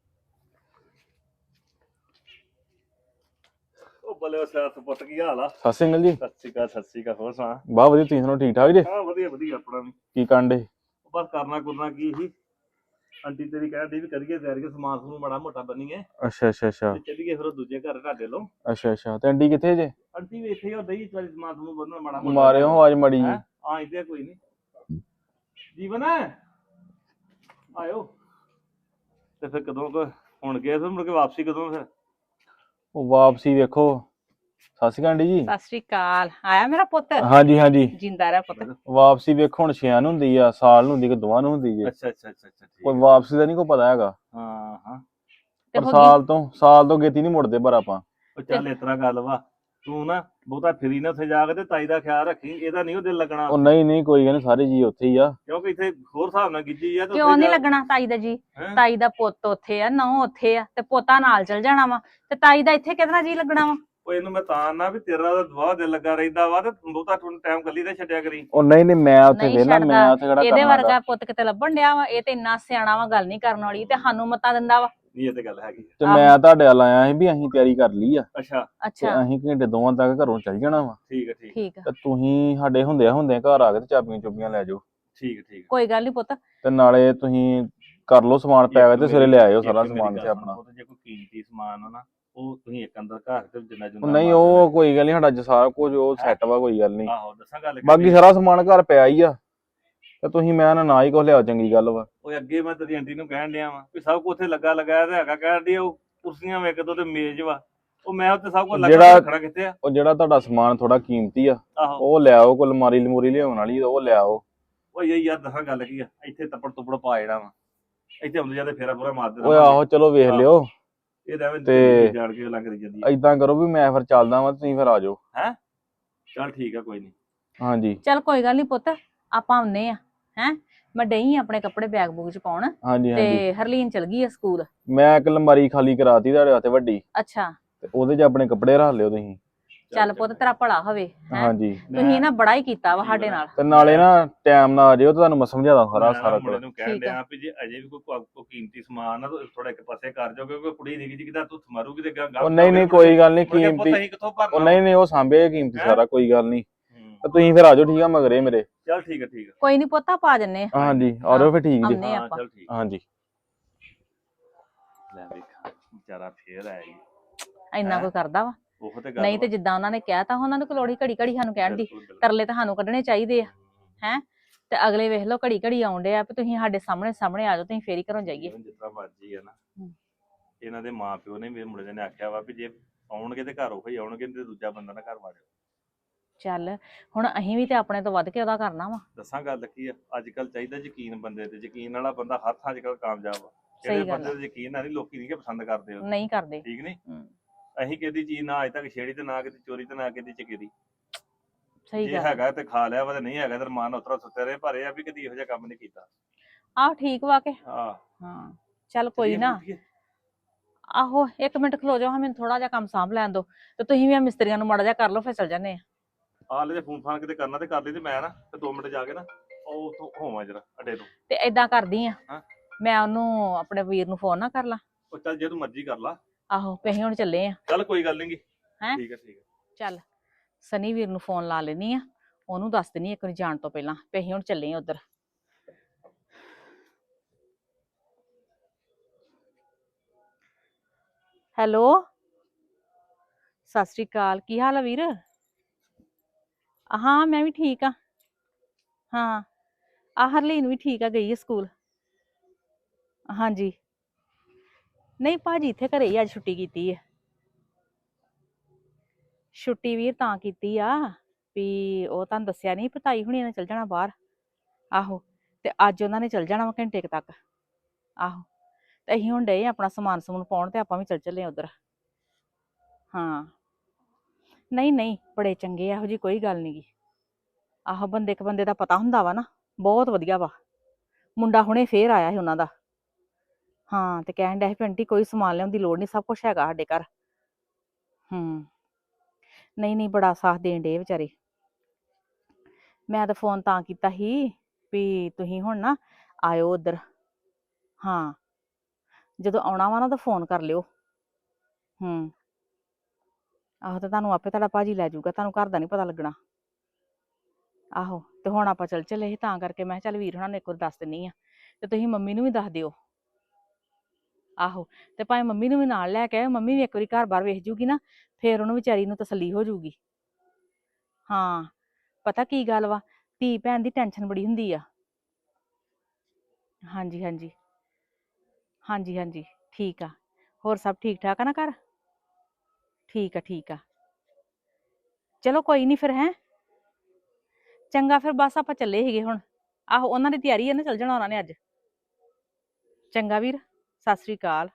[SPEAKER 2] ਉਹ ਬੱਲੇ ਸਿਆਸਤ ਪੁੱਤ ਕੀ ਹਾਲ ਆ?
[SPEAKER 1] ਸਤਿ ਸ਼੍ਰੀ ਅਕਾਲ ਜੀ।
[SPEAKER 2] ਸਤਿ ਸ਼੍ਰੀ ਅਕਾਲ ਹੋਰ ਸੁਣਾ?
[SPEAKER 1] ਬਹੁਤ ਵਧੀਆ, ਤੁਸੀਂ ਸੁਣਾਓ ਠੀਕ ਠਾਕ ਜੀ?
[SPEAKER 2] ਹਾਂ ਵਧੀਆ ਆਪਣਾ ਵੀ।
[SPEAKER 1] ਕੀ ਕਾਂਡੇ?
[SPEAKER 2] ਬਸ ਕਰਨਾ ਕੀ ਸੀ, ਆਂਟੀ ਤੇਰੀ ਕਹਿੰਦੀ ਵੀ ਕਰੀਏ ਤਿਆਰੀ, ਸਮਾਨ ਸਮੂਨ ਮਾੜਾ ਮੋਟਾ ਬੰਨੀਏ
[SPEAKER 1] ਅੱਛਾ
[SPEAKER 2] ਚੱਲੀਏ ਫਿਰ ਉਹ ਦੂਜੇ ਘਰ ਤੁਹਾਡੇ ਲੋ।
[SPEAKER 1] ਅੱਛਾ ਤੇ ਆਂਟੀ ਕਿੱਥੇ ਜੇ?
[SPEAKER 2] ਆਂਟੀ ਵੀ ਇੱਥੇ ਹੀ ਦਈ ਚਲ ਸਮਾਨ ਸਮੂਨ ਬੰਨਣਾ ਮਾੜਾ ਮੋਟਾ।
[SPEAKER 1] ਮਾਰਿਓ ਆਵਾਜ਼ ਮਾੜੀ ਜੀ।
[SPEAKER 2] ਹਾਂ ਇੱਥੇ ਕੋਈ ਨਹੀਂ। ਜੀਵਨ ਆਇਓ ਤੇ ਫਿਰ ਕਦੋਂ ਹੁਣ ਗਏ ਫਿਰ ਮੁੜ ਕੇ ਵਾਪਸੀ ਕਦੋਂ ਫਿਰ?
[SPEAKER 1] ਉਹ ਵਾਪਸੀ ਵੇਖੋ। ਸਤਿ ਸ਼੍ਰੀ ਅਕਾਲ ਆਂਟੀ ਜੀ।
[SPEAKER 3] ਸਤਿ ਸ਼੍ਰੀ ਅਕਾਲ। ਆਇਆ ਮੇਰਾ ਪੁੱਤ?
[SPEAKER 1] ਹਾਂਜੀ
[SPEAKER 3] ਜਿੰਦਾ ਰਹਿ ਪੁੱਤ।
[SPEAKER 1] ਵਾਪਸੀ ਵੇਖੋ ਹੁਣ 6 ਨੂੰ ਹੁੰਦੀ ਆ, ਸਾਲ ਨੂੰ ਹੁੰਦੀ ਕਿ ਦੋਵਾਂ ਨੂੰ ਹੁੰਦੀ ਜੇ।
[SPEAKER 2] ਅੱਛਾ
[SPEAKER 1] ਕੋਈ ਵਾਪਸੀ ਦਾ ਨਹੀਂ ਕੋਈ ਪਤਾ ਹੈਗਾ।
[SPEAKER 2] ਹਾਂ
[SPEAKER 1] ਪਰ ਸਾਲ ਤੋਂ ਗੇਤੀ ਨਹੀਂ ਮੁੜਦੇ ਪਰ ਆਪਾਂ।
[SPEAKER 2] ਉਹ ਚੱਲ ਇਸ ਤਰ੍ਹਾਂ ਗੱਲ ਵਾ, ਤੂੰ ਨਾ ਬਹੁਤਾ ਫਿਰੀ ਨਾ ਉੱਥੇ ਜਾ ਕੇ ਤੇ ਤਾਈ ਦਾ ਖਿਆਲ ਰੱਖੀ, ਇਹਦਾ ਨਹੀਂ ਉਹ ਦਿਲ ਲੱਗਣਾ।
[SPEAKER 1] ਉਹ ਨਹੀਂ ਕੋਈ ਗੱਲ ਨੀ, ਸਾਰੇ ਜੀ ਉੱਥੇ ਹੀ ਆ।
[SPEAKER 2] ਕਿਉਂਕਿ ਇੱਥੇ ਹੋਰ ਹਿਸਾਬ ਨਾਲ ਗਿੱਜੀ ਆ।
[SPEAKER 3] ਕਿਉਂ ਨਹੀਂ ਲੱਗਣਾ ਤਾਈ ਦਾ ਜੀ? ਤਾਈ ਦਾ ਪੁੱਤ ਉੱਥੇ ਆ, ਨਹੁੰ ਉੱਥੇ ਆ, ਤੇ ਪੋਤਾ ਨਾਲ ਚਲ ਜਾਣਾ ਵਾ, ਤੇ ਤਾਈ ਦਾ ਇੱਥੇ ਕਿਹਦੇ ਨਾਲ ਜੀ ਲੱਗਣਾ ਵਾ?
[SPEAKER 2] ਉਹ ਇਹਨੂੰ ਮੈਂ ਤਾਂ ਨਾ ਵੀ ਤੇਰਾ ਤਾਂ ਦਵਾ ਦਿਲ ਲੱਗਾ ਰਹਿੰਦਾ ਵਾ ਤੇ ਬਹੁਤਾ ਟਾਈਮ ਕੱਲੀ ਤੇ ਛੱਡਿਆ ਕਰੀ।
[SPEAKER 1] ਉਹ ਨਹੀਂ ਮੈਂ ਉੱਥੇ
[SPEAKER 3] ਨਹੀਂ
[SPEAKER 1] ਵੇਲਾ, ਮੈਂ
[SPEAKER 3] ਛੱਡਦਾ।
[SPEAKER 1] ਉੱਥੇ ਕਿਹੜਾ
[SPEAKER 3] ਇਹਦੇ
[SPEAKER 1] ਕਰਨਾ
[SPEAKER 3] ਵਰਗਾ ਪੁੱਤ ਕਿਤੇ ਲੱਭਣ ਡਿਆ ਵਾ, ਇਹ ਤੇ ਇੰਨਾ ਸਿਆਣਾ ਵਾ, ਗੱਲ ਨਹੀਂ ਕਰਨ ਵਾਲੀ, ਤੇ ਸਾਨੂੰ ਮਤਾਂ ਦਿੰਦਾ ਵਾ।
[SPEAKER 2] ਨਹੀਂ ਇਹ ਤੇ ਗੱਲ ਹੈਗੀ।
[SPEAKER 1] ਤੇ ਮੈਂ ਤੁਹਾਡੇ ਵੱਲ ਆਇਆ ਸੀ ਵੀ ਅਸੀਂ ਤਿਆਰੀ ਕਰ ਲਈ ਆ
[SPEAKER 2] ਅੱਛਾ
[SPEAKER 1] ਤੇ
[SPEAKER 3] ਅੱਛਾ
[SPEAKER 1] ਅਸੀਂ ਘੰਟੇ ਦੋਵਾਂ ਤੱਕ ਘਰੋਂ ਚੱਲ ਜਾਣਾ ਵਾ।
[SPEAKER 2] ਠੀਕ ਹੈ ਠੀਕ
[SPEAKER 3] ਠੀਕ ਆ,
[SPEAKER 1] ਤੇ ਤੁਸੀਂ ਸਾਡੇ ਹੁੰਦਿਆਂ ਘਰ ਆ ਕੇ ਤੇ ਚਾਬੀਆਂ ਚੁੱਬੀਆਂ ਲੈ ਜਾਓ,
[SPEAKER 2] ਠੀਕ ਠੀਕ।
[SPEAKER 3] ਕੋਈ ਗੱਲ ਨਹੀਂ ਪੁੱਤ।
[SPEAKER 1] ਤੇ ਨਾਲੇ ਤੁਸੀਂ ਕਰ ਲਓ ਸਮਾਨ ਪੈਕ ਤੇ ਸਵੇਰੇ ਲੈ ਆਇਓ ਸਾਰਾ ਸਮਾਨ ਤੇ ਆਪਣਾ।
[SPEAKER 2] ਜੇ ਕੋਈ ਕੀਮਤੀ ਸਮਾਨ ਆ ਨਾ ਉਹ ਤੁਸੀਂ ਇੱਕ ਅੰਦਰ ਘਰ ਤੇ ਜਿੰਨਾ
[SPEAKER 1] ਉਹ
[SPEAKER 2] ਜੁੰਨਾ
[SPEAKER 1] ਨਹੀਂ ਉਹ ਕੋਈ ਗੱਲ ਨਹੀਂ, ਸਾਡਾ ਸਾਰਾ ਕੁਝ ਉਹ ਸੈੱਟ ਵਾ, ਕੋਈ ਗੱਲ ਨਹੀਂ।
[SPEAKER 2] ਆਹੋ ਦੱਸਾਂ ਗੱਲ
[SPEAKER 1] ਬਾਕੀ ਸਾਰਾ ਸਮਾਨ ਘਰ ਪਿਆ ਹੀ ਆ, ਤੇ ਤੁਸੀਂ ਮੈਂ ਨਾ ਹੀ ਕੁਝ ਲਿਆਓ, ਚੰਗੀ ਗੱਲ ਵਾ।
[SPEAKER 2] ਉਹ ਅੱਗੇ ਮੈਂ ਤੇਰੀ ਆਂਟੀ ਨੂੰ ਕਹਿਣ ਡਿਆ ਵਾਂ ਵੀ ਸਭ ਕੁਝ ਉੱਥੇ ਲੱਗਾ ਲਗਾਇਆ ਤੇ ਹੈਗਾ, ਕਹਿਣ ਡਈ ਉਹ ਕੁਰਸੀਆਂ ਵੇਖ ਦੋ ਤੇ ਮੇਜ਼ ਵਾ, ਉਹ ਮੈਂ ਉੱਤੇ ਸਭ ਕੁਝ ਲੱਗਾ ਰੱਖਣਾ ਕਿੱਥੇ ਆ।
[SPEAKER 1] ਉਹ ਜਿਹੜਾ ਤੁਹਾਡਾ ਸਮਾਨ ਥੋੜਾ ਕੀਮਤੀ ਆ
[SPEAKER 2] ਆਹੋ
[SPEAKER 1] ਉਹ ਲਿਆਓ, ਕੋਈ ਅਲਮਾਰੀ ਲਮੂਰੀ ਲਿਆਉਣ ਵਾਲੀ ਉਹ ਲਿਆਓ।
[SPEAKER 2] ਉਹ ਯਾਰ ਦੱਸਾਂ ਗੱਲ ਕੀ ਆ, ਇੱਥੇ ਤੱਪੜ ਤੁੱਪੜ ਪਾ ਜਿਹੜਾ ਵਾ, ਇੱਥੇ ਆਉਂਦੇ ਜਾਂਦੇ ਫੇਰਾ ਪੂਰਾ ਮਾਰਦੇ
[SPEAKER 1] ਓਏ ਆਹੋ ਚਲੋ ਵੇਖ ਲਿਓ।
[SPEAKER 2] ਇਹ ਤਾਂ ਐਵੇਂ
[SPEAKER 1] ਤੇ
[SPEAKER 2] ਜਾਣ ਕੇ ਲੱਗ ਰਹੀ ਜਾਂਦੀ ਆ।
[SPEAKER 1] ਏਦਾਂ ਕਰੋ ਵੀ ਮੈਂ ਫਿਰ ਚੱਲਦਾ ਵਾਂ, ਤੁਸੀਂ ਫਿਰ ਆ ਜਾਓ।
[SPEAKER 2] ਚੱਲ ਠੀਕ ਆ ਕੋਈ ਨਹੀਂ।
[SPEAKER 1] ਹਾਂਜੀ
[SPEAKER 3] ਚੱਲ ਕੋਈ ਗੱਲ ਨਹੀਂ ਪੁੱਤ, ਆਪਾਂ ਆਉਨੇ ਆ। ਹੈ ਮੈਂ ਡਈ ਆਪਣੇ ਕੱਪੜੇ ਬੈਗ ਬੂਗ ਚ ਪਾਉਣ,
[SPEAKER 1] ਹਾਂਜੀ ਹਾਂਜੀ।
[SPEAKER 3] ਤੇ ਹਰਲੀਨ ਚਲ ਗਈ ਆ ਸਕੂਲ।
[SPEAKER 1] ਮੈਂ ਇੱਕ ਅਲਮਾਰੀ ਖਾਲੀ ਕਰਾਤੀ ਤੁਹਾਡੇ ਵਾਸਤੇ ਵੱਡੀ,
[SPEAKER 3] ਅੱਛਾ
[SPEAKER 1] ਤੇ ਉਹਦੇ 'ਚ ਆਪਣੇ ਕੱਪੜੇ ਰੱਖ ਲਿਓ ਤੁਸੀਂ।
[SPEAKER 3] ਚੱਲ ਪੁੱਤ ਤੇਰਾ ਭਲਾ ਹੋਵੇ। ਹੈਂ
[SPEAKER 1] ਹਾਂਜੀ
[SPEAKER 3] ਤੁਸੀਂ ਨਾ ਬੜਾ ਹੀ ਕੀਤਾ ਵਾ ਸਾਡੇ ਨਾਲ।
[SPEAKER 1] ਤੇ ਨਾਲੇ ਨਾ ਟਾਈਮ ਨਾਲ ਆ ਜਿਓ, ਤੁਹਾਨੂੰ ਮੈਂ ਸਮਝਾਦਾ ਸਾਰਾ
[SPEAKER 2] ਮੁੰਡੇ
[SPEAKER 1] ਕੁਝ।
[SPEAKER 2] ਨੂੰ ਕਹਿਣ ਡਿਆ ਵੀ ਜੇ ਅਜੇ ਵੀ ਕੋਈ ਕੀਮਤੀ ਸਮਾਨ ਆ ਤਾਂ ਥੋੜਾ ਇੱਕ ਪਾਸੇ ਕਰ ਜਾਓ, ਕਿਉਂਕਿ ਕੁੜੀ ਨਿੱਕੀ ਜਿਹੀ ਕਿਦਾ ਤੂੰ ਮਾਰੂਗੀ ਤੇ
[SPEAKER 1] ਉਹ ਨਹੀਂ ਕੋਈ ਗੱਲ ਨਹੀਂ, ਕੀਮਤੀ
[SPEAKER 2] ਕਿੱਥੋਂ ਭਰਨਾ।
[SPEAKER 1] ਉਹ ਨਹੀਂ ਉਹ ਸਾਂਭੇ ਕੀਮਤੀ
[SPEAKER 2] ਹੈਂ?
[SPEAKER 1] ਸਾਰਾ, ਕੋਈ ਗੱਲ ਨਹੀਂ। ਤੇ ਤੁਸੀਂ ਫਿਰ ਆ ਜਾਓ, ਠੀਕ ਆ ਮਗਰੇ ਮੇਰੇ।
[SPEAKER 2] ਚੱਲ ਠੀਕ ਆ ਠੀਕ ਆ।
[SPEAKER 3] ਕੋਈ ਨਹੀਂ ਪੁੱਤ ਪਾ ਜੰਨੇ।
[SPEAKER 1] ਹਾਂਜੀ ਆ ਜਾਓ ਫਿਰ, ਠੀਕ ਜੀ।
[SPEAKER 3] ਆਉਂਦੇ
[SPEAKER 2] ਹਾਂ
[SPEAKER 3] ਆਪਾਂ।
[SPEAKER 2] ਚੱਲ ਠੀਕ।
[SPEAKER 1] ਹਾਂਜੀ
[SPEAKER 2] ਲੈ ਵੇਖਾਂ ਵਿਚਾਰਾ ਫੇਰ ਆਇਆ ਜੀ।
[SPEAKER 3] ਇੰਨਾ ਕੋਈ ਕਰਦਾ ਵਾ?
[SPEAKER 2] ਉਹ ਤੇ ਗੱਲ
[SPEAKER 3] ਨਹੀਂ ਤੇ ਜਿੱਦਾਂ ਉਹਨਾਂ ਨੇ ਕਿਹਾ ਤਾਂ ਉਹਨਾਂ ਨੂੰ ਲੋੜੀ ਘੜੀ ਘੜੀ ਸਾਨੂੰ ਕਹਿਣ ਦੀ,
[SPEAKER 2] ਬਿਲਕੁਲ।
[SPEAKER 3] ਤਰਲੇ ਤਾਂ ਸਾਨੂੰ ਕੱਢਣੇ ਚਾਹੀਦੇ ਆ। ਹੈ ਤੇ ਅਗਲੇ ਵੇਖ ਲਓ ਘੜੀ ਘੜੀ ਆਉਂਦੇ ਆ ਵੀ ਤੁਸੀਂ ਸਾਡੇ ਸਾਹਮਣੇ ਆ ਜਾਓ, ਤੁਸੀਂ ਫੇਰ ਹੀ ਘਰੋਂ ਜਾਈਏ।
[SPEAKER 2] ਜਿਸ ਤਰ੍ਹਾਂ ਮਰਜੀ ਆ ਨਾ, ਇਹਨਾਂ ਦੇ ਮਾਂ ਪਿਓ ਨੇ ਮੇਰੇ ਮੁੰਡੇ ਨੇ ਆਖਿਆ ਵਾ ਵੀ ਜੇ ਆਉਣਗੇ ਤੇ ਘਰ ਉਹ ਹੀ ਆਉਣਗੇ, ਤੇ ਦੂਜਾ ਬੰਦਾ ਨਾ ਘਰ ਵਾੜਿਓ।
[SPEAKER 3] ਚੱਲ ਹੁਣ ਅਸੀਂ ਵੀ ਤੇ ਆਪਣੇ ਤੋਂ ਵੱਧ ਕੇ ਉਹਦਾ ਕਰਨਾ ਵਾ।
[SPEAKER 2] ਦੱਸਾਂ ਗੱਲ ਕੀ ਆ, ਅੱਜ ਕੱਲ ਚਾਹੀਦਾ ਯਕੀਨ ਬੰਦੇ ਤੇ, ਯਕੀਨ ਵਾਲਾ ਬੰਦਾ ਹਰ ਥਾਂ ਅੱਜ ਕੱਲ ਕਾਮਯਾਬ ਆ।
[SPEAKER 3] ਸਹੀ
[SPEAKER 2] ਜਿਹੜੇ
[SPEAKER 3] ਗੱਲ
[SPEAKER 2] ਬੰਦੇ ਤੇ ਯਕੀਨ ਨਹੀਂ ਲੋਕੀ ਨਹੀਂ ਪਸੰਦ ਕਰਦੇ ਉਹ।
[SPEAKER 3] ਨਹੀਂ ਕਰਦੇ।
[SPEAKER 2] ਠੀਕ ਨਹੀਂ, ਅਸੀਂ ਕਿਹਦੀ ਚੀਜ਼ ਨਾ ਅੱਜ ਤੱਕ ਛੇੜੀ ਤੇ ਨਾ ਕਿਤੇ ਚੋਰੀ ਤੇ ਨਾ ਕਿਤੇ ਚਕੇਰੀ।
[SPEAKER 3] ਸਹੀ
[SPEAKER 2] ਜੇ
[SPEAKER 3] ਗੱਲ
[SPEAKER 2] ਹੈਗਾ ਤੇ ਖਾ ਲਿਆ ਵਾ, ਤੇ ਨਹੀਂ ਹੈਗਾ ਤੇ ਰਮਾਨ ਉਤਰਾ ਸੁੱਤੇ ਰਹੇ, ਪਰ ਇਹ ਆ ਵੀ ਕਦੀ ਇਹੋ ਜਿਹਾ ਕੰਮ ਨਹੀਂ ਕੀਤਾ।
[SPEAKER 3] ਆਹ ਠੀਕ ਵਾ ਕੇ।
[SPEAKER 2] ਹਾਂ
[SPEAKER 3] ਚੱਲ ਕੋਈ ਨਾ। ਆਹੋ 1 ਮਿੰਟ ਖਲੋ ਜਾਓ, ਮੈਨੂੰ ਥੋੜਾ ਜਿਹਾ ਕੰਮ ਸਾਂਭ ਲੈਣ ਦੋ, ਤੇ ਤੁਸੀਂ ਵੀ ਆ ਮਿਸਤਰੀਆਂ ਨੂੰ ਮਾੜਾ ਜਿਹਾ ਕਰ ਲਓ, ਫਿਰ ਚੱਲ ਜਾਂਦੇ ਆ।
[SPEAKER 2] ਆ ਲੈ ਫੋਨ ਫਾਨ ਕਿਤੇ ਕਰਨਾ ਤੇ ਕਰ ਲਈ, ਤੇ ਮੈਂ ਨਾ ਤੇ 2 ਮਿੰਟ ਜਾ ਕੇ ਨਾ ਉਹ ਉੱਥੋਂ ਹੋਵਾਂ ਜਰਾ ਅੱਡੇ ਤੋਂ।
[SPEAKER 3] ਤੇ ਏਦਾਂ ਕਰਦੀ ਆ,
[SPEAKER 2] ਹਾਂ।
[SPEAKER 3] ਮੈਂ ਉਹਨੂੰ ਆਪਣੇ ਵੀਰ ਨੂੰ ਫੋਨ ਨਾ ਕਰ ਲਾਂ।
[SPEAKER 2] ਉਹ ਚੱਲ ਜੇ ਤੂੰ ਮਰਜ਼ੀ ਕਰ ਲਾ।
[SPEAKER 3] ਆਹੋ ਤੇ ਅਸੀਂ ਹੁਣ ਚੱਲੇ ਆ।
[SPEAKER 2] ਚੱਲ ਕੋਈ ਗੱਲ ਨੀ।
[SPEAKER 3] ਹੈਂ?
[SPEAKER 2] ਠੀਕ ਆ ਠੀਕ ਆ।
[SPEAKER 3] ਚੱਲ ਸਨੀ ਵੀਰ ਨੂੰ ਫੋਨ ਲਾ ਲੈਣੀ ਆ, ਉਹਨੂੰ ਦੱਸ ਦੇਣੀ ਇੱਕ ਵਾਰੀ ਜਾਣ ਤੋਂ ਪਹਿਲਾਂ ਵੀ ਅਸੀਂ ਹੁਣ ਚੱਲੇ ਆ ਉਧਰ। ਹੈਲੋ ਸਤਿ ਸ੍ਰੀ ਅਕਾਲ, ਕੀ ਹਾਲ ਆ ਵੀਰ? ਹਾਂ ਮੈਂ ਵੀ ਠੀਕ ਆ। ਹਾਂ ਆ ਹਰਲੀਨ ਵੀ ਠੀਕ ਆ, ਗਈ ਆ ਸਕੂਲ। ਹਾਂਜੀ ਨਹੀਂ ਭਾਜੀ ਇੱਥੇ ਘਰੇ ਹੀ ਅੱਜ ਛੁੱਟੀ ਕੀਤੀ ਹੈ। ਛੁੱਟੀ ਵੀਰ ਤਾਂ ਕੀਤੀ ਆ ਵੀ ਉਹ ਤੁਹਾਨੂੰ ਦੱਸਿਆ ਨਹੀਂ, ਪਤਾਈ ਹੁਣੀ ਨੇ ਚੱਲ ਜਾਣਾ ਬਾਹਰ। ਆਹੋ ਤੇ ਅੱਜ ਉਹਨਾਂ ਨੇ ਚੱਲ ਜਾਣਾ ਵਾ ਘੰਟੇ ਕੁ ਤੱਕ। ਆਹੋ ਤੇ ਅਸੀਂ ਹੁਣ ਡਏ ਆਪਣਾ ਸਮਾਨ ਸਮੂਨ ਪਾਉਣ, ਤੇ ਆਪਾਂ ਵੀ ਚੱਲ ਚੱਲੇ ਉਧਰ। ਹਾਂ ਨਹੀਂ ਨਹੀਂ ਬੜੇ ਚੰਗੇ ਆ, ਇਹੋ ਜੀ ਕੋਈ ਗੱਲ ਨੀ ਗੀ। ਆਹੋ ਬੰਦੇ ਇੱਕ ਬੰਦੇ ਦਾ ਪਤਾ ਹੁੰਦਾ ਵਾ ਨਾ, ਬਹੁਤ ਵਧੀਆ ਵਾ। ਮੁੰਡਾ ਹੁਣੇ ਫੇਰ ਆਇਆ ਸੀ ਉਹਨਾਂ ਦਾ। ਹਾਂ ਤੇ ਕਹਿਣ ਡਿਆ ਸੀ ਆਂਟੀ ਕੋਈ ਸਮਾਨ ਲਿਆਉਣ ਦੀ ਲੋੜ ਨਹੀਂ, ਸਭ ਕੁਛ ਹੈਗਾ ਸਾਡੇ ਘਰ। ਨਹੀਂ ਨਹੀਂ ਬੜਾ ਸਾਥ ਦੇਣ ਡੇ ਵਿਚਾਰੇ। ਮੈਂ ਤਾਂ ਫੋਨ ਤਾਂ ਕੀਤਾ ਸੀ ਵੀ ਤੁਸੀਂ ਹੁਣ ਨਾ ਆਇਓ ਉੱਧਰ। ਹਾਂ ਜਦੋਂ ਆਉਣਾ ਵਾ ਨਾ ਤਾਂ ਫੋਨ ਕਰ ਲਿਓ। ਆਹੋ ਤੇ ਤੁਹਾਨੂੰ ਆਪੇ ਤੁਹਾਡਾ ਭਾਜੀ ਲੈ ਜਾਊਗਾ, ਤੁਹਾਨੂੰ ਘਰ ਦਾ ਨਹੀਂ ਪਤਾ ਲੱਗਣਾ। ਆਹੋ ਤੇ ਹੁਣ ਆਪਾਂ ਚੱਲ ਚੱਲੇ ਸੀ, ਤਾਂ ਕਰਕੇ ਮੈਂ ਕਿਹਾ ਚੱਲ ਵੀਰ ਹੁਣਾਂ ਨੂੰ ਇੱਕ ਵਾਰ ਦੱਸ ਦਿੰਨੀ ਆ, ਤੇ ਤੁਸੀਂ ਮੰਮੀ ਨੂੰ ਵੀ ਦੱਸ ਦਿਓ। ਆਹੋ ਤੇ ਭਾਵੇਂ ਮੰਮੀ ਨੂੰ ਵੀ ਨਾਲ ਲੈ ਕੇ ਆਇਓ, ਮੰਮੀ ਵੀ ਇੱਕ ਵਾਰੀ ਘਰ ਬਾਹਰ ਵੇਖ ਜੂਗੀ ਨਾ, ਫੇਰ ਉਹਨੂੰ ਵਿਚਾਰੀ ਨੂੰ ਤਸੱਲੀ ਹੋ ਜੂਗੀ। ਹਾਂ ਪਤਾ ਕੀ ਗੱਲ ਵਾ, ਧੀ ਭੈਣ ਦੀ ਟੈਨਸ਼ਨ ਬੜੀ ਹੁੰਦੀ ਆ। ਹਾਂਜੀ ਹਾਂਜੀ ਹਾਂਜੀ ਹਾਂਜੀ ਠੀਕ ਆ। ਹੋਰ ਸਭ ਠੀਕ ਠਾਕ ਆ ਨਾ ਘਰ? ਠੀਕ ਆ ਠੀਕ ਆ। ਚਲੋ ਕੋਈ ਨਹੀਂ ਫਿਰ। ਹੈ ਚੰਗਾ ਫਿਰ, ਬਸ ਆਪਾਂ ਚੱਲੇ ਸੀਗੇ ਹੁਣ। ਆਹੋ ਉਹਨਾਂ ਦੀ ਤਿਆਰੀ ਹੈ ਨਾ, ਚੱਲ ਜਾਣਾ ਉਹਨਾਂ ਨੇ ਅੱਜ। ਚੰਗਾ ਵੀਰ ਸਤਿ ਸ੍ਰੀ ਅਕਾਲ।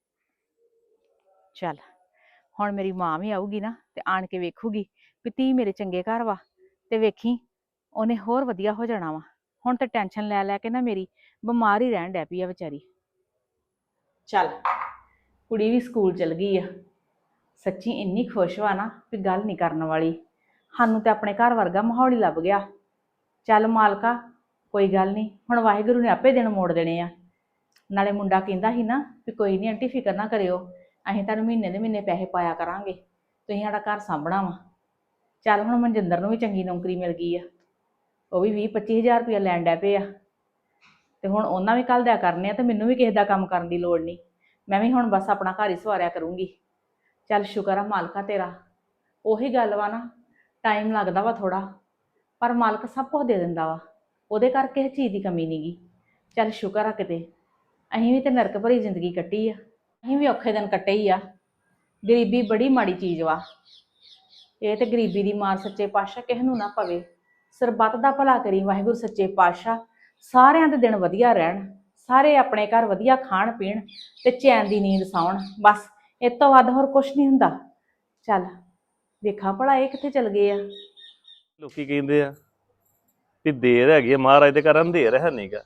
[SPEAKER 3] ਚੱਲ ਹੁਣ ਮੇਰੀ ਮਾਂ ਵੀ ਆਊਗੀ ਨਾ, ਤੇ ਆਣ ਕੇ ਵੇਖੂਗੀ ਵੀ ਧੀ ਮੇਰੇ ਚੰਗੇ ਘਰ ਵਾ, ਤੇ ਵੇਖੀ ਉਹਨੇ ਹੋਰ ਵਧੀਆ ਹੋ ਜਾਣਾ ਵਾ। ਹੁਣ ਤੇ ਟੈਨਸ਼ਨ ਲੈ ਲੈ ਕੇ ਨਾ ਮੇਰੀ ਬਿਮਾਰ ਹੀ ਰਹਿਣ ਡੈ ਪਈ ਆ ਵਿਚਾਰੀ। ਚੱਲ ਕੁੜੀ ਵੀ ਸਕੂਲ ਚਲ ਗਈ ਆ, ਸੱਚੀ ਇੰਨੀ ਖੁਸ਼ ਵਾ ਨਾ ਵੀ ਗੱਲ ਨਹੀਂ ਕਰਨ ਵਾਲੀ। ਸਾਨੂੰ ਤੇ ਆਪਣੇ ਘਰ ਵਰਗਾ ਮਾਹੌਲ ਹੀ ਲੱਭ ਗਿਆ। ਚੱਲ ਮਾਲਕਾ, ਕੋਈ ਗੱਲ ਨਹੀਂ, ਹੁਣ ਵਾਹਿਗੁਰੂ ਨੇ ਆਪੇ ਦਿਨ ਮੋੜ ਦੇਣੇ ਆ। ਨਾਲੇ ਮੁੰਡਾ ਕਹਿੰਦਾ ਸੀ ਨਾ ਵੀ ਕੋਈ ਨਹੀਂ ਆਂਟੀ, ਫਿਕਰ ਨਾ ਕਰਿਓ, ਅਸੀਂ ਤੁਹਾਨੂੰ ਮਹੀਨੇ ਦੇ ਮਹੀਨੇ ਪੈਸੇ ਪਾਇਆ ਕਰਾਂਗੇ, ਤੁਸੀਂ ਸਾਡਾ ਘਰ ਸਾਂਭਣਾ ਵਾ। ਚੱਲ ਹੁਣ ਮਨਜਿੰਦਰ ਨੂੰ ਵੀ ਚੰਗੀ ਨੌਕਰੀ ਮਿਲ ਗਈ ਆ, ਉਹ ਵੀ 20-25 ਹਜ਼ਾਰ ਰੁਪਇਆ ਲੈਣ ਡੈ ਪਏ ਆ, ਤੇ ਹੁਣ ਉਹਨਾਂ ਵੀ ਘੱਲ ਦਿਆ ਕਰਨੇ ਆ, ਤੇ ਮੈਨੂੰ ਵੀ ਕਿਸੇ ਦਾ ਕੰਮ ਕਰਨ ਦੀ ਲੋੜ ਨਹੀਂ। ਮੈਂ ਵੀ ਹੁਣ ਬਸ ਆਪਣਾ ਘਰ ਹੀ ਸਵਾਰਿਆ ਕਰੂੰਗੀ। ਚੱਲ ਸ਼ੁਕਰ ਆ ਮਾਲਕਾ ਤੇਰਾ। ਉਹੀ ਗੱਲ ਵਾ ਨਾ, ਟਾਈਮ ਲੱਗਦਾ ਵਾ ਥੋੜਾ, ਪਰ ਮਾਲਕ ਸਭ ਕੁਝ ਦੇ ਦਿੰਦਾ ਵਾ, ਉਹਦੇ ਕਰਕੇ ਕਿਸੇ ਚੀਜ਼ ਦੀ ਕਮੀ ਨਹੀਂ ਗੀ। ਚੱਲ ਸ਼ੁਕਰ ਆ ਕਿਤੇ। ਅਸੀਂ ਵੀ ਤੇ ਨਰਕ ਭਰੀ ਜ਼ਿੰਦਗੀ ਕੱਟੀ ਆ, ਅਸੀਂ ਵੀ ਔਖੇ ਦਿਨ ਕੱਟੇ ਹੀ ਆ। ਗਰੀਬੀ ਬੜੀ ਮਾੜੀ ਚੀਜ਼ ਵਾ, ਇਹ ਤੇ ਗਰੀਬੀ ਦੀ ਮਾਰ ਸੱਚੇ ਪਾਤਸ਼ਾਹ ਕਿਸੇ ਨੂੰ ਨਾ ਪਵੇ। ਸਰਬੱਤ ਦਾ ਭਲਾ ਕਰੀ ਵਾਹਿਗੁਰੂ ਸੱਚੇ ਪਾਤਸ਼ਾਹ, ਸਾਰਿਆਂ ਦੇ ਦਿਨ ਵਧੀਆ ਰਹਿਣ, ਸਾਰੇ ਆਪਣੇ ਘਰ ਵਧੀਆ ਖਾਣ ਪੀਣ ਤੇ ਚੈਨ ਦੀ ਨੀਂਦ ਸੌਣ, ਬਸ ਇਹ ਤੋਂ ਵੱਧ ਹੋਰ ਕੁਛ ਨਹੀਂ ਹੁੰਦਾ। ਚੱਲ ਵੇਖਾਂ ਭਲਾ ਇਹ ਕਿੱਥੇ ਚਲ ਗਏ ਆ।
[SPEAKER 2] ਲੋਕੀ ਕਹਿੰਦੇ ਆ ਵੀ ਦੇਰ ਹੈਗੀ ਆ, ਮਹਾਰਾਜ ਦੇ ਘਰ ਅੰਧੇਰ ਹੈ ਨਹੀਂਗਾ।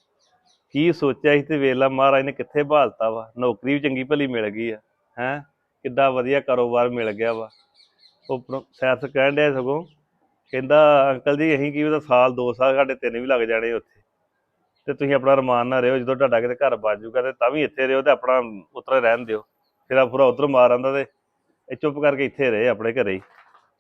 [SPEAKER 2] ਕੀ ਸੋਚਿਆ ਸੀ ਤੇ ਵੇਲਾ ਮਹਾਰਾਜ ਨੇ ਕਿੱਥੇ ਬਹਾਲਤਾ ਵਾ। ਨੌਕਰੀ ਵੀ ਚੰਗੀ ਭਲੀ ਮਿਲ ਗਈ ਆ, ਹੈ ਕਿੱਡਾ ਵਧੀਆ ਕਾਰੋਬਾਰ ਮਿਲ ਗਿਆ ਵਾ। ਉਹ ਸੈਰਸ ਕਹਿਣ ਡਿਆ ਸਗੋਂ, ਕਹਿੰਦਾ ਅੰਕਲ ਜੀ ਅਸੀਂ ਕੀ ਉਹਦਾ ਸਾਲ 2 ਸਾਲ ਸਾਡੇ 3 ਵੀ ਲੱਗ ਜਾਣੇ ਉੱਥੇ, ਤੇ ਤੁਸੀਂ ਆਪਣਾ ਰਮਾਨ ਨਾਲ ਰਹੋ, ਜਦੋਂ ਤੁਹਾਡਾ ਕਿਤੇ ਘਰ ਬਣ ਜੂਗਾ ਤੇ ਤਾਂ ਵੀ ਇੱਥੇ ਰਹੋ, ਤੇ ਆਪਣਾ ਉਤਰ ਰਹਿਣ ਦਿਓ। ਫਿਰ ਪੂਰਾ ਉਧਰ ਮਾਰ ਆਂਦਾ ਤੇ ਇਹ ਚੁੱਪ ਕਰਕੇ ਇੱਥੇ ਰਹੇ ਆਪਣੇ ਘਰੇ ਹੀ।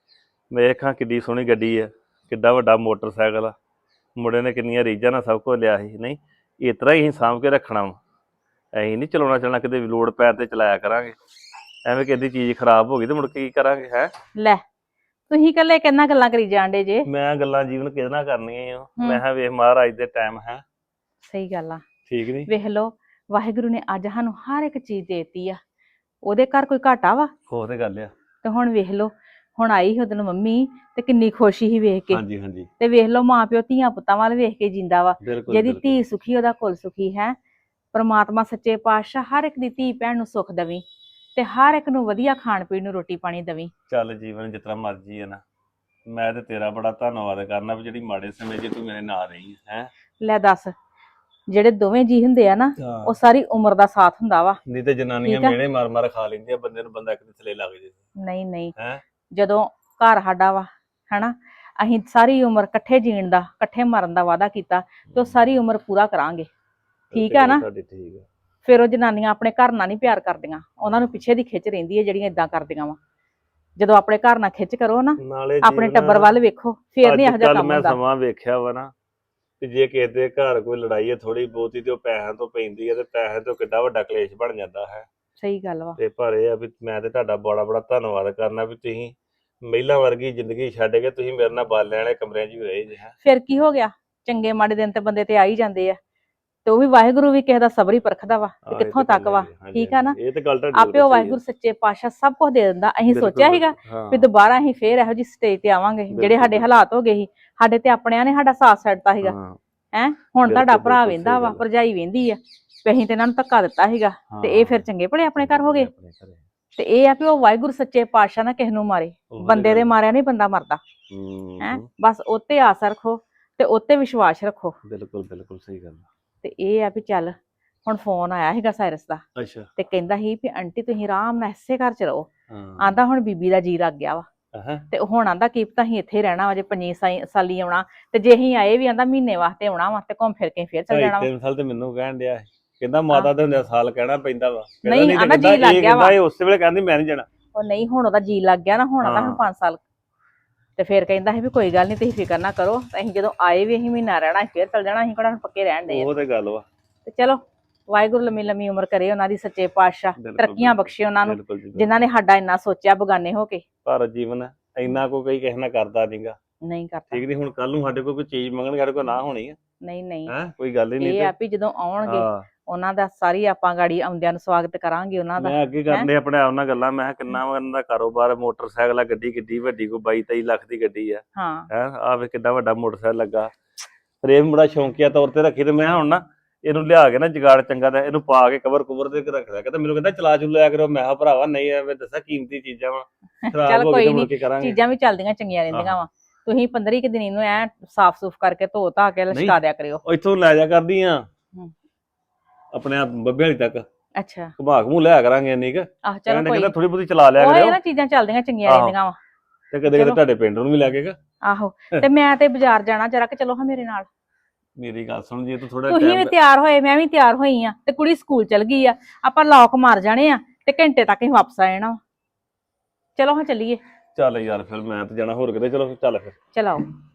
[SPEAKER 2] ਵੇਖਾਂ ਕਿੱਡੀ ਸੋਹਣੀ ਗੱਡੀ ਆ, ਕਿੱਡਾ ਵੱਡਾ ਮੋਟਰਸਾਈਕਲ ਆ, ਮੁੰਡੇ ਨੇ ਕਿੰਨੀਆਂ ਰੀਝਾਂ ਨਾਲ ਸਭ ਕੁਝ ਲਿਆ ਸੀ। ਨਹੀਂ ਇਸ ਤਰ੍ਹਾਂ ਹੀ ਅਸੀਂ ਸਾਂਭ ਕੇ ਰੱਖਣਾ ਵਾ, ਅਸੀਂ ਨਹੀਂ ਚਲਾਉਣਾ ਚੱਲਣਾ, ਕਿਤੇ ਵੀ ਲੋੜ ਪੈਣ ਤੇ ਚਲਾਇਆ ਕਰਾਂਗੇ। ਐਵੇਂ ਕਿਹਦੀ ਚੀਜ਼ ਖਰਾਬ ਹੋ ਗਈ ਤੇ ਮੁੜ ਕੇ ਕੀ ਕਰਾਂਗੇ। ਹੈ
[SPEAKER 3] ਲੈ ਤੁਸੀਂ ਇਕੱਲੇ ਕਿੰਨਾ ਗੱਲਾਂ ਕਰੀ ਜਾਂਦੇ ਜੇ।
[SPEAKER 2] ਮੈਂ ਗੱਲਾਂ ਜੀਵਨ ਕਿਹਦੇ ਨਾਲ ਕਰਨੀਆਂ ਆ, ਮੈਂ ਕਿਹਾ ਵੇਖ ਮਹਾਰਾਜ ਦੇ ਟਾਈਮ ਹੈ।
[SPEAKER 3] ਸਹੀ ਗੱਲ ਆ,
[SPEAKER 2] ਠੀਕ ਨੀ,
[SPEAKER 3] ਵੇਖ ਲਓ ਵਾਹਿਗੁਰੂ ਨੇ ਅੱਜ ਸਾਨੂੰ ਹਰ ਇੱਕ ਚੀਜ਼ ਦੇਤੀ ਆ, ਉਹਦੇ ਘਰ ਕੋਈ ਘਾਟਾ ਵਾ।
[SPEAKER 2] ਹੋ ਤੇ ਗੱਲ ਆ।
[SPEAKER 3] ਤੇ ਹੁਣ ਵੇਖ ਲਓ, ਹੁਣ ਆਈ ਸੀ ਉਹਦਨ ਮੰਮੀ ਤੇ ਕਿੰਨੀ ਖੁਸ਼ੀ ਸੀ ਵੇਖ ਕੇ।
[SPEAKER 2] ਹਾਂਜੀ ਹਾਂਜੀ,
[SPEAKER 3] ਤੇ ਵੇਖ ਲਓ ਮਾਂ ਪਿਓ ਧੀਆਂ ਪੁੱਤਾਂ ਵੱਲ ਵੇਖ ਕੇ ਜਿੰਦਾ ਵਾ।
[SPEAKER 2] ਬਿਲਕੁਲ
[SPEAKER 3] ਜਿਹਦੀ
[SPEAKER 2] ਬਿਲਕੁਲ।
[SPEAKER 3] ਧੀ ਸੁਖੀ ਉਹਦਾ ਕੁਲ ਸੁਖੀ ਹੈ। ਪਰਮਾਤਮਾ ਸੱਚੇ ਪਾਤਸ਼ਾਹ ਹਰ ਇੱਕ ਦੀ ਧੀ ਭੈਣ ਨੂੰ ਸੁੱਖ ਦੇਵੀਂ, ਤੇ ਹਰ ਇੱਕ ਨੂੰ ਵਧੀਆ ਖਾਣ ਪੀਣ ਨੂੰ ਰੋਟੀ ਪਾਣੀ ਦੇਵੀਂ।
[SPEAKER 2] ਚੱਲ ਜੀਵਨ ਜਿਸ ਤਰ੍ਹਾਂ ਮਰਜ਼ੀ ਹੈ ਨਾ, ਮੈਂ ਤੇ ਤੇਰਾ ਬੜਾ ਧੰਨਵਾਦ ਕਰਨਾ ਵੀ ਜਿਹੜੀ ਮਾੜੇ ਸਮੇਂ 'ਚ ਤੂੰ ਮੇਰੇ ਨਾਲ ਰਹੀ ਹੈ।
[SPEAKER 3] ਲੈ ਦੱਸ, ਜਿਹੜੇ ਦੋਵੇਂ ਜੀ ਹੁੰਦੇ ਆ ਨਾ, ਉਹ ਸਾਰੀ ਉਮਰ ਦਾ ਸਾਥ ਹੁੰਦਾ ਵਾ।
[SPEAKER 2] ਨਹੀਂ ਤੇ ਜਨਾਨੀਆਂ ਮਿਹਣੇ ਮਾਰ ਮਾਰ ਖਾ ਲੈਂਦੀਆਂ ਬੰਦੇ ਨੂੰ, ਬੰਦਾ ਇੱਕ ਦੇ ਥੱਲੇ ਲੱਗ ਜੇ।
[SPEAKER 3] ਨਹੀਂ ਨਹੀਂ,
[SPEAKER 2] ਹੈ
[SPEAKER 3] ਜਦੋਂ ਘਰ ਸਾਡਾ ਵਾ ਹਨਾ, ਅਸੀਂ ਸਾਰੀ ਉਮਰ ਇਕੱਠੇ ਜੀਣ ਦਾ ਇਕੱਠੇ ਮਰਨ ਦਾ ਵਾਅਦਾ ਕੀਤਾ, ਤੇ ਉਹ ਸਾਰੀ ਉਮਰ ਪੂਰਾ ਕਰਾਂਗੇ। ਠੀਕ ਆ ਨਾ।
[SPEAKER 2] ਠੀਕ ਆ।
[SPEAKER 3] ਫਿਰ ਉਹ ਜਨਾਨੀਆਂ ਆਪਣੇ ਘਰ ਨਾਲ ਨਹੀਂ ਪਿਆਰ ਕਰਦੀਆਂ, ਉਹਨਾਂ ਨੂੰ ਪਿੱਛੇ ਦੀ ਖਿੱਚ ਰਹਿੰਦੀ ਹੈ ਜਿਹੜੀਆਂ ਇਦਾਂ ਕਰਦੀਆਂ ਵਾ। ਜਦੋਂ ਆਪਣੇ ਘਰ ਨਾਲ ਖਿੱਚ ਕਰੋ ਨਾ, ਆਪਣੇ ਟੱਬਰ ਵੱਲ ਵੇਖੋ, ਫੇਰ ਨਹੀਂ ਇਹੋ ਜਿਹਾ ਕੰਮ
[SPEAKER 2] ਮੈਂ
[SPEAKER 3] ਹੁੰਦਾ।
[SPEAKER 2] ਸਮਾਂ ਵੇਖਿਆ ਵਾ ਨਾ, ਤੇ ਜੇ ਕਿਸੇ ਦੇ ਘਰ ਕੋਈ ਲੜਾਈ ਹੈ ਥੋੜੀ ਬਹੁਤੀ, ਤੇ ਉਹ ਪੈਸਿਆਂ ਤੋਂ ਪੈਂਦੀ ਹੈ, ਤੇ ਪੈਸੇ ਤੋਂ ਕਿੱਡਾ ਵੱਡਾ ਕਲੇਸ਼ ਬਣ ਜਾਂਦਾ ਹੈ।
[SPEAKER 3] ਸਹੀ ਗੱਲ ਵਾ।
[SPEAKER 2] ਤੇ ਪਰ ਇਹ ਆ ਵੀ ਮੈਂ ਤੇ ਤੁਹਾਡਾ ਬੜਾ ਬੜਾ ਧੰਨਵਾਦ ਕਰਨਾ ਵੀ ਤੁਸੀਂ ਮਹਿਲਾ ਵਰਗੀ ਜ਼ਿੰਦਗੀ ਛੱਡ ਕੇ ਤੁਸੀਂ ਮੇਰੇ ਨਾਲ ਬਾਲਿਆਂ ਵਾਲੇ ਕਮਰਿਆਂ 'ਚ ਵੀ ਰਹੇ ਜੇ।
[SPEAKER 3] ਫਿਰ ਕੀ ਹੋ ਗਿਆ, ਚੰਗੇ ਮਾੜੇ ਦਿਨ ਤੇ ਬੰਦੇ ਤੇ ਆ ਹੀ ਜਾਂਦੇ ਆ, ਤੇ ਉਹ ਵੀ ਵਾਹਿਗੁਰੂ ਵੀ ਕਿਸੇ ਦਾ ਸਬਰ ਹੀ ਪਰਖਦਾ ਵਾ ਤੇ ਕਿੱਥੋਂ ਤੱਕ ਵਾ। ਠੀਕ ਆ ਨਾ।
[SPEAKER 2] ਇਹ ਤੇ ਗੱਲ ਤੁਹਾਡੀ
[SPEAKER 3] ਆਪੇ ਉਹ ਵਾਹਿਗੁਰੂ ਸੱਚੇ ਪਾਤਸ਼ਾਹ ਸਭ ਕੁਝ ਦੇ ਦਿੰਦਾ। ਅਸੀਂ ਸੋਚਿਆ ਸੀਗਾ ਵੀ ਦੁਬਾਰਾ ਅਸੀਂ ਫੇਰ ਇਹੋ ਜਿਹੀ ਸਟੇਜ ਤੇ ਆਵਾਂਗੇ, ਜਿਹੜੇ ਸਾਡੇ ਹਾਲਾਤ ਹੋ ਗਏ ਸੀ, ਸਾਡੇ ਤੇ ਆਪਣਿਆਂ ਨੇ ਸਾਡਾ ਸਾਥ ਛੱਡਤਾ ਸੀਗਾ। ਹੈ ਹੁਣ ਤੁਹਾਡਾ ਭਰਾ ਵੇਂਦਾ ਵਾ, ਭਰਜਾਈ ਵੇਂਦੀ ਆ, ਵੀ ਅਸੀਂ ਤੇ ਇਹਨਾਂ ਨੂੰ ਧੱਕਾ ਦਿੱਤਾ ਸੀਗਾ, ਤੇ ਇਹ ਫਿਰ ਚੰਗੇ ਭਲੇ ਆਪਣੇ ਘਰ ਹੋ ਗਏ। ਤੇ ਇਹ ਆ ਵੀ ਉਹ ਵਾਹਿਗੁਰੂ ਸੱਚੇ ਪਾਤਸ਼ਾਹ ਨਾ ਕਿਸੇ ਨੂੰ ਮਾਰੇ, ਬੰਦੇ ਦੇ ਮਾਰਿਆ ਨਹੀਂ ਬੰਦਾ ਮਰਦਾ। ਹੈ ਬਸ ਉੱਤੇ ਆਸ ਰੱਖੋ ਤੇ ਉੱਤੇ ਵਿਸ਼ਵਾਸ ਰੱਖੋ।
[SPEAKER 2] ਬਿਲਕੁਲ ਬਿਲਕੁਲ ਸਹੀ ਗੱਲ।
[SPEAKER 3] ਤੇ ਇਹ ਆ ਵੀ ਚੱਲ, ਹੁਣ ਫੋਨ ਆਇਆ ਸੀਗਾ ਸਾਇਰਸ ਦਾ,
[SPEAKER 2] ਅੱਛਾ,
[SPEAKER 3] ਤੇ ਕਹਿੰਦਾ ਸੀ ਵੀ ਆਂਟੀ ਤੁਸੀਂ ਆਰਾਮ ਨਾਲ ਇਸੇ ਘਰ ਚ ਰਹੋ। ਆਂਦਾ ਹੁਣ ਬੀਬੀ ਦਾ ਜੀ ਲੱਗ ਗਿਆ ਵਾ, ਤੇ ਹੁਣ ਆਂਦਾ ਕੀ ਪਤਾ ਅਸੀਂ ਇੱਥੇ ਰਹਿਣਾ ਵਾ, ਜੇ 5 ਸਾਲੀ ਆਉਣਾ, ਤੇ ਜੇ ਅਸੀਂ ਆਏ ਵੀ ਆਂਦਾ ਮਹੀਨੇ ਵਾਸਤੇ ਆਉਣਾ ਵਾ, ਤੇ ਘੁੰਮ ਫਿਰ ਕੇ ਫੇਰ ਚੱਲ ਜਾਣਾ ਵਾ।
[SPEAKER 2] 3 ਸਾਲ ਤੇ ਮੈਨੂੰ ਕਹਿਣ ਡਿਆ, ਕਹਿੰਦਾ ਮਾਤਾ ਦੇ ਹੁੰਦੇ ਸਾਲ ਕਹਿਣਾ ਪੈਂਦਾ ਵਾ।
[SPEAKER 3] ਨਹੀਂ ਆਂਦਾ ਜੀ ਲੱਗ ਗਿਆ ਵਾ।
[SPEAKER 2] ਉਸੇ ਵੇਲੇ ਕਹਿੰਦੀ ਮੈਂ ਨਹੀਂ ਜਾਣਾ।
[SPEAKER 3] ਉਹ ਨਹੀਂ, ਹੁਣ ਉਹਦਾ ਜੀ ਲੱਗ ਗਿਆ ਨਾ, ਹੁਣ ਆਂਦਾ ਹੁਣ 5 ਸਾਲ। ਤੇ ਫੇਰ ਕਹਿੰਦਾ ਸੀ ਵੀ ਕੋਈ ਗੱਲ ਨਹੀਂ ਤੁਸੀਂ ਫਿਕਰ ਨਾ ਕਰੋ, ਅਸੀਂ ਜਦੋਂ ਆਏ ਵੀ ਅਸੀਂ ਮਹੀਨਾ ਰਹਿਣਾ, ਫੇਰ ਚੱਲ ਜਾਣਾ, ਅਸੀਂ ਕਿਹੜਾ ਪੱਕੇ ਰਹਿਣ ਦੇ।
[SPEAKER 2] ਉਹ ਤੇ ਗੱਲ ਵਾ।
[SPEAKER 3] ਤੇ ਚਲੋ ਵਾਹਿਗੁਰੂ ਲੰਮੀ ਲੰਮੀ ਉਮਰ ਕਰੇ ਉਹਨਾਂ ਦੀ, ਸੱਚੇ ਪਾਤਸ਼ਾਹ ਤਰੱਕੀਆਂ ਬਖਸ਼ੇ ਉਹਨਾਂ ਨੂੰ, ਜਿਨ੍ਹਾਂ ਨੇ ਸਾਡਾ ਇੰਨਾ ਸੋਚਿਆ ਬਗਾਨੇ ਹੋ ਕੇ।
[SPEAKER 2] ਪਰ ਜੀਵਨ ਇੰਨਾ ਕੋਈ ਕਿਸੇ ਨਾਲ ਕਰਦਾ ਨਹੀਂਗਾ।
[SPEAKER 3] ਨਹੀਂ ਕਰਦਾ।
[SPEAKER 2] ਠੀਕ ਨਹੀਂ, ਹੁਣ ਕੱਲ ਨੂੰ ਸਾਡੇ ਕੋਲ ਕੋਈ ਚੀਜ਼ ਮੰਗਣਗੇ, ਸਾਡੇ ਕੋਲ ਨਾ ਹੋਣੀ ਆ।
[SPEAKER 3] ਨਹੀਂ ਨਹੀਂ,
[SPEAKER 2] ਕੋਈ ਗੱਲ ਹੀ ਨਹੀਂ।
[SPEAKER 3] ਇਹ ਆ ਵੀ ਜਦੋਂ ਆਉਣਗੇ ਉਹਨਾਂ ਦਾ ਸਾਰੀ ਆਪਾਂ ਗਾੜੀ ਆਉਂਦਿਆਂ ਨੂੰ ਸਵਾਗਤ ਕਰਾਂਗੇ ਉਹਨਾਂ ਦਾ।
[SPEAKER 2] ਮੈਂ ਅੱਗੇ ਕਰਨੇ ਆਪਣੇ ਆਪ ਨਾਲ ਗੱਲਾਂ, ਮੈਂ ਕਿੰਨਾ ਉਹਨਾਂ ਦਾ ਕਾਰੋਬਾਰ, ਮੋਟਰਸਾਈਕਲ ਆ, ਗੱਡੀ ਕਿੱਡੀ ਵੱਡੀ, ਕੋਈ 22-23 ਲੱਖ ਦੀ ਗੱਡੀ ਆ। ਹੈ ਆ ਵੇ ਕਿੱਡਾ ਵੱਡਾ ਮੋਟਰਸਾਈਕਲ ਲੱਗਾ, ਫਰੇਮ ਬੜਾ ਸ਼ੌਂਕੀਆ ਤੌਰ ਤੇ ਰੱਖੀ। ਤੇ ਮੈਂ ਹੁਣ ਨਾ ਇਹਨੂੰ ਲਿਆ ਕੇ ਨਾ ਜਗਾੜ ਚੰਗਾ ਦਾ ਇਹਨੂੰ ਪਾ ਕੇ ਕਵਰ ਕੁਵਰ ਦੇ ਕੇ ਰੱਖ ਲਿਆ। ਕਹਿੰਦਾ ਮੈਨੂੰ ਕਹਿੰਦਾ ਚਲਾ ਚੁ ਲਿਆ ਕਰੋ। ਮੈਂ ਕਿਹਾ ਭਰਾਵਾ ਨਹੀਂ, ਐਵੇਂ ਦੱਸਾਂ ਕੀਮਤੀ ਚੀਜ਼ਾਂ ਵਾ, ਖਰਾਬ ਹੋ ਗਈ ਤੇ ਮੁੜ ਕੇ ਕਰਾਂਗੇ।
[SPEAKER 3] ਚੀਜ਼ਾਂ ਵੀ ਚੱਲਦੀਆਂ ਚੰਗੀਆਂ ਰਹਿੰਦੀਆਂ ਵਾ। ਤੁਸੀਂ 15 ਦਿਨ ਨੂੰ ਐ ਸਾਫ਼ ਸੂਫ ਕਰਕੇ ਧੋ ਧਾ ਕੇ ਲਸ਼ਕਾ ਦਿਆ ਕਰਿਓ।
[SPEAKER 2] ਇੱਥੋਂ ਲੈ ਜਾ ਕਰਦੀ ਆ ਆਪਣੇ ਆਪ ਬੱਬੇ ਵਾਲੀ ਤੱਕ,
[SPEAKER 3] ਅੱਛਾ
[SPEAKER 2] ਘੁਮਾ ਘਮੂ ਲਿਆ ਕਰਾਂਗੇ ਇੰਨੀ ਕ
[SPEAKER 3] ਆਹ ਚਲੋ
[SPEAKER 2] ਕਹਿੰਦੇ
[SPEAKER 3] ਕੋਈ
[SPEAKER 2] ਕਹਿੰਦਾ ਥੋੜੀ ਬਹੁਤੀ ਚਲਾ ਲਿਆ
[SPEAKER 3] ਉਹ ਇਹ
[SPEAKER 2] ਕਰਿਓ
[SPEAKER 3] ਨਾ ਚੀਜ਼ਾਂ ਚੱਲਦੀਆਂ ਚੰਗੀਆਂ
[SPEAKER 2] ਆਹੋ।
[SPEAKER 3] ਰਹਿੰਦੀਆਂ ਵਾ
[SPEAKER 2] ਤੇ ਕਦੇ ਕਦੇ
[SPEAKER 3] ਚਲੋ।
[SPEAKER 2] ਤੁਹਾਡੇ ਪਿੰਡ ਨੂੰ ਵੀ ਲੈ ਕੇ
[SPEAKER 3] ਆਹੋ ਤੇ ਮੈਂ ਤੇ ਬਾਜ਼ਾਰ ਜਾਣਾ ਜਰਾ ਕਿ ਚਲੋ ਹਾਂ ਮੇਰੇ ਨਾਲ
[SPEAKER 2] ਮੇਰੀ ਗੱਲ ਸੁਣ ਜੇ ਤੂੰ ਥੋੜਾ
[SPEAKER 3] ਤੁਸੀਂ ਵੀ
[SPEAKER 2] ਟਾਈਮ
[SPEAKER 3] ਤਿਆਰ ਹੋਏ ਮੈਂ ਵੀ ਤਿਆਰ ਹੋਈ ਆ ਤੇ ਕੁੜੀ ਸਕੂਲ ਚਲ ਗਈ ਆ ਆਪਾਂ ਲੌਕ ਮਾਰ ਜਾਣੇ ਆ ਤੇ ਘੰਟੇ ਤੱਕ ਹੀ ਵਾਪਸ ਆ ਜਾਣਾ ਵਾ। ਚਲੋ ਹਾਂ ਚੱਲੀਏ
[SPEAKER 2] ਚੱਲ ਯਾਰ ਫਿਰ ਮੈਂ ਤੇ ਜਾਣਾ ਹੋਰ ਕਿਤੇ ਚਲੋ ਚੱਲ ਫਿਰ
[SPEAKER 3] ਚਲਾਓ